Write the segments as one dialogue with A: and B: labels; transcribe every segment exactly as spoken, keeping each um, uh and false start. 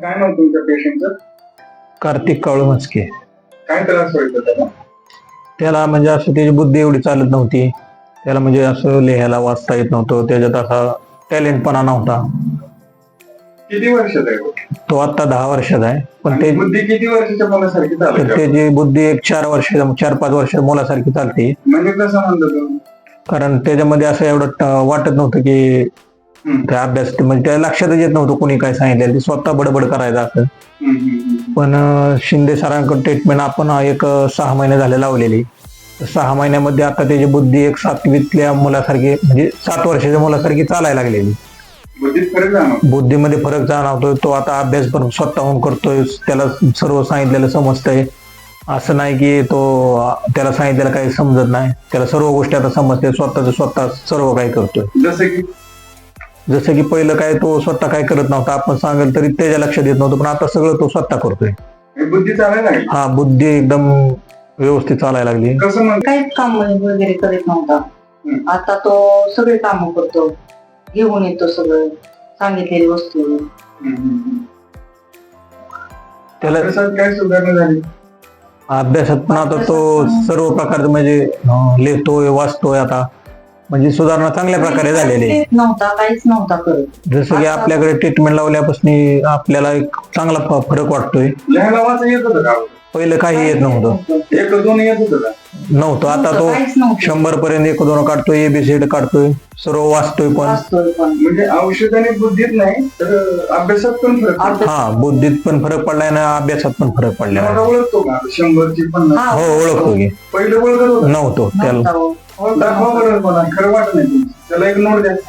A: काय नाव तुमच्या पेशंटचं?
B: कार्तिक काळू मस्के.
A: काय त्रास व्हायचा त्याला?
B: त्याला म्हणजे असं त्याची बुद्धी एवढी चालत नव्हती. त्याला म्हणजे असं लिहायला वाचता येत नव्हतं. त्याच्यात असा टॅलेंटपणा नव्हता.
A: किती वर्षाचा आहे तो?
B: तो आता दहा वर्षाचा आहे. पण
A: आणि
B: ते
A: बुद्धी किती वर्षाच्या मुलासारखी
B: तर
A: चालते?
B: त्याची बुद्धी एक चार वर्ष चार पाच वर्ष मुलासारखी चालते.
A: म्हणजे कसं म्हणतो तुम्ही?
B: कारण त्याच्यामध्ये असं एवढं ट- वाटत नव्हतं की
A: हम्म.
B: त्या अभ्यास म्हणजे त्याला लक्षातच येत नव्हतं कोणी काय सांगितलं. ते स्वतः बडबड करायचं असं.
A: हम्म, हम्म, हम्म.
B: पण अं, शिंदे सरांकडे ट्रीटमेंट आपण एक अं, सहा महिने झाले लावलेली. तर सहा महिन्यामध्ये आता त्याची बुद्धी एक सातवीतल्या मुलासारखी म्हणजे सात वर्षाच्या मुलासारखी चालायला लागलेली.
A: बुद्धीत फरक जाणवतो?
B: बुद्धीमध्ये फरक जाणवतोय. तो आता अभ्यास पण स्वतःहून करतोय. त्याला सर्व सांगितलेलं समजतंय. असं नाही की तो अं, त्याला सांगितलेलं काही समजत नाही. त्याला सर्व गोष्टी आता समजते. स्वतःच स्वतः सर्व काही करतोय.
A: जसं की
B: जसं की पहिलं काय तो स्वतः काय करत नव्हता. आपण सांगेल तरी त्याच्या लक्षात येत नव्हतं. पण आता सगळं तो स्वतः करतोय.
A: हे बुद्धी चालायला लागली?
B: हा, बुद्धी एकदम व्यवस्थित चालायला लागली.
A: कसं म्हणतो?
C: काहीच काम वगैरे करीत नव्हता.
A: हम्म.
C: आता तो सगळे काम करतो, घेऊन येतो सगळं सांगितलेली वस्तू.
A: हम्म, हम्म.
B: त्याला
A: अभ्यासात काय सुधारणा झाली?
B: अभ्यासात पण आता तो सर्व प्रकारचं म्हणजे अं, लिहितोय वाचतोय आता. म्हणजे सुधारणा चांगल्या प्रकारे झालेली आहे.
C: काहीच नव्हता काहीच नव्हता करत.
B: जसं की आपल्याकडे ट्रीटमेंट लावल्यापासून आपल्याला एक चांगला फ- फरक वाटतोय.
A: लिहायला वाचा येत होतं का?
B: पहिलं काही येत नव्हतं.
A: एक दोन येत होतं का?
B: नव्हतं. आता तो
C: काहीच नव्हतं.
B: शंभर पर्यंत एक दोन काढतोय. एबीसीडी काढतोय. सर्व वाचतोय पण.
C: वाचतोय पण.
A: म्हणजे औषधाने बुद्धीत नाही तर अभ्यासात पण फरक पडतो.
C: अभ्यास-
B: हा, बुद्धीत पण फरक पडलाय ना अभ्यासात पण फरक पडलाय.
A: मला ओळखतो का शंभरची पन्नास?
C: हा,
B: हो, ओळखतो की.
A: पहिलं ओळखत होतं?
B: नव्हतो त्याला.
C: नव्हता हो.
A: दाखवा बरं मला. खरं वाटत नाही तुमचं. त्याला एक नोट द्या.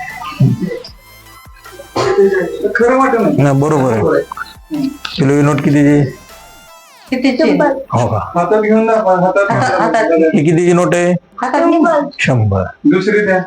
A: खरं वाटत नाही.
B: नाही, बरोबर आहे.
A: हम्म.
B: किलो नोट कितीची?
C: कितीची?
B: हो का?
A: हातात घेऊन दाखवा. हातात
C: हातात- हातात.
B: ही कितीची नोट आहे?
C: हातात घे ना.
B: शंभर.
A: दुसरी द्या.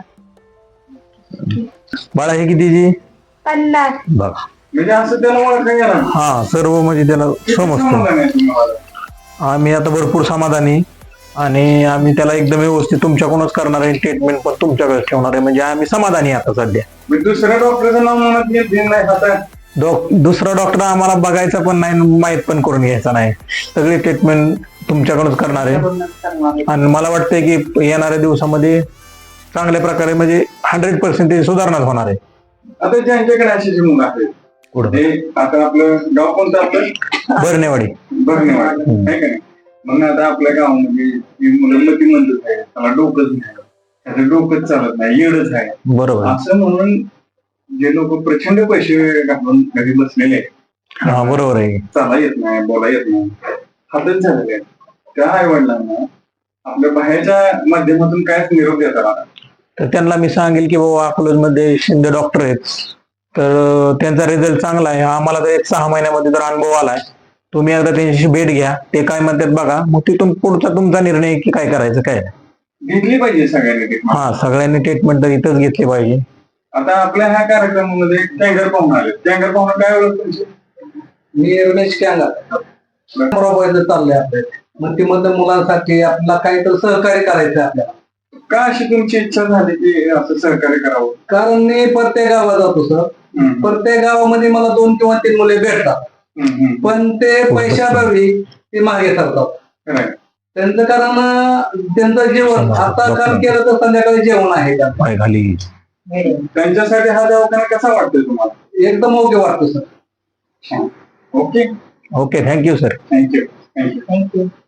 B: बाळा ही कितीची?
D: पन्नास.
B: बघा.
A: म्हणजे असं त्याला ओळखा येणार.
B: हा, सर्व म्हणजे त्याला
A: किती
B: समजतं.
A: समाधान आहे तुम्हाला?
B: आम्ही आता भरपूर समाधानी आणि आम्ही त्याला एकदम व्यवस्थित तुमच्याकडूनच करणार आहे. ट्रीटमेंट पण तुमच्याकडे ठेवणार आहे. म्हणजे आम्ही समाधानी आहे आता सध्या.
A: म्हणजे दुसऱ्या डॉक्टरचं नाव म्हणत घेत नाही हातात.
B: डॉक दुसरा डॉक्टर आम्हाला बघायचा पण नाही, माहीत पण करून घ्यायचा नाही. सगळी ट्रीटमेंट तुमच्याकडूनच करणार आहे.
C: करूनच करणार आहे.
B: आणि मला वाटतंय की येणाऱ्या दिवसामध्ये चांगल्या प्रकारे म्हणजे हंड्रेड पर्सेंट सुधारणा होणार आहे.
A: आता ज्यांच्याकडे अशी मुलं आहेत
B: पुढे
A: ते आता आपलं गाव कोणतं आपलं?
B: बरणेवाडी.
A: बरणेवाडी आहे का नाही? मग आता आपल्या गावामध्ये ही मुलं मतिमंदच आहे. त्याला डोकंच नाही, त्याचं डोकंच चालत नाही, येडच आहे
B: बरोबर.
A: असं म्हणून जे लोक प्रचंड पैसे घालून घरी बसलेले आहेत,
B: हा, बरोबर आहे.
A: चाला येत नाही, बोला येत नाही, हातच झालेले आहेत, त्या आई वडिलांना आपल्या बाहेरच्या माध्यमातून कायच निरोप देता आला.
B: तर त्यांना मी सांगेल की बाबा अकलूजमध्ये शिंदे डॉक्टर आहेत. तर त्यांचा रिझल्ट चांगला आहे. आम्हाला तर एक सहा महिन्यामध्ये जर अनुभव आलाय. तुम्ही एकदा त्यांच्याशी भेट घ्या. ते काय म्हणतात बघा. मग तिथून पुढचा तुमचा निर्णय की काय करायचं काय.
A: घेतली पाहिजे सगळ्यांनी treatment.
B: हा, सगळ्यांनी ट्रीटमेंट तर इथंच घेतली पाहिजे.
A: आता आपल्या ह्या कार्यक्रमामध्ये टँगर पाहुणे आले. टँगर पाहुणे काय ओळख तुमची?
E: मी रमेश कॅंगा बरोबर चाललंय आपल्या मग ती मध्ये मुलांसाठी आपल्याला काहीतरी सहकार्य करायचं आपल्याला.
A: का अशी तुमची इच्छा झाली की असं सहकार्य करावं?
E: कारण मी प्रत्येक गावात जातो सर.
A: हम्म.
E: प्रत्येक गावामध्ये मला दोन किंवा तीन मुले भेटतात.
A: हम्म, हम्म.
E: पण ते पैशाभावी ते मागे सरतात.
A: खरं आहे.
E: त्यांचं कारण अं, त्यांचं जेवण आता काम केलं तर संध्याकाळी जेवण आहे त्यांचं.
B: पाय खाली.
A: त्यांच्यासाठी हा दवाखाना कसा वाटतोय तुम्हाला?
E: एकदम ओके वाटतं sir.
A: Okay,
B: okay, thank you sir.
A: Thank you thank you
C: thank you.